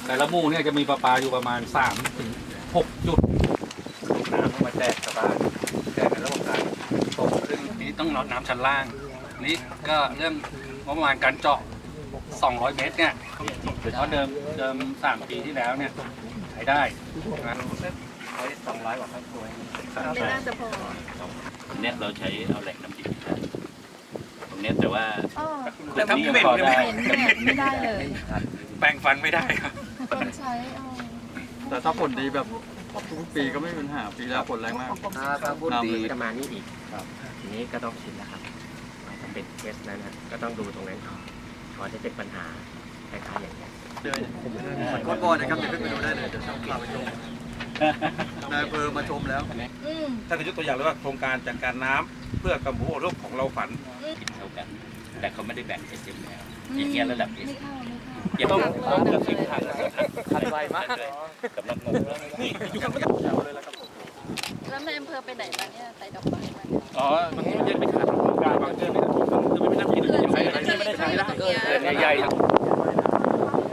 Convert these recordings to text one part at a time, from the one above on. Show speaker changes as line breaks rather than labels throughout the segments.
แต่ละหมู่เนี่ยจะมีประปาอยู่ประมาณ3 ถึง 6 จุดน้ำมาแจกชาวบ้านแต่ในระบบการตกซึ่งนี้ต้องลดน้ำชั้นล่างนี้ก็เรื่องงบประมาณการเจาะ200 เมตรเนี่ยเพราะเดิม3 ปีที่แล้วเนี่ยใช้ได้นะ200 กว่าครอบครัว
ไม่น่าจะพอ
ตรงเนี้ยเราใช้เอาแหล่งน้ำดิบตรงเนี้ยแต่ว่า
แต่ถ้าเหม็น
พอได้
ไม่ได้เลย
แปรงฟันไม่ได้ครับ
คนใช้
แต่ถ้าผลดีแบบทุกปีก็ไม่มีปัญหาปีแล้วผลแรงมาก
ถ้าพูดดีจะมานี่อีกทีนี้ก็ต้องชินแล้วครับถ้าเป็นเคสนั้นนะก็ต้องดูตรงนั้นก่อนก่อนจะเป็นปัญหาคล้ายๆอย่างนี้
ก่อนบ่อนะครับเดี๋ยวขึ้นไปดูได้เลยเดี๋ยวช่างพาไปชมนายอำเภอมาชมแล้ว
ถ้าจะยกตัวอย่างเลยว่าโครงการจัดการน้ำเพื่อกำผู้อพยพของเราฝัน
กินเท่ากัน แต่เขาไม่ได้แบ่งเอสเอ็มแล้วอย่างเงี้ยระดับเอส
ไม่เข้า
เก็บต้องกับสิบพัน
คันไวมาก
กำลังงงนี่อยู่กับ
แล้วในอำเภอไปไหนมาเนี่ยไปดอกไม้มาเนี่ย
อ๋อบางทีมันจะไปขาดโครงการบางเรื่องเนี่ยทำไมไม่นั่งกินใช้อะไรไม่ได้ใช้แล้วใหญ่ๆ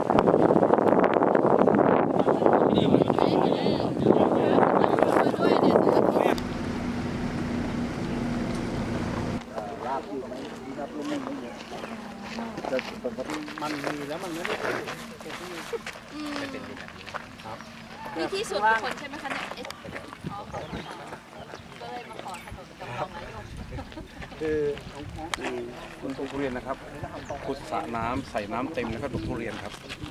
มีที่สุดคนใช่ไหมคะเนี่ยก็เลยมาขอถนนกับรองนายก
คือคุณปลูกทุเรียนนะครับขุดสระน้ำใส่น้ำเต็มแล้วก็ปลูกทุเรียนครับ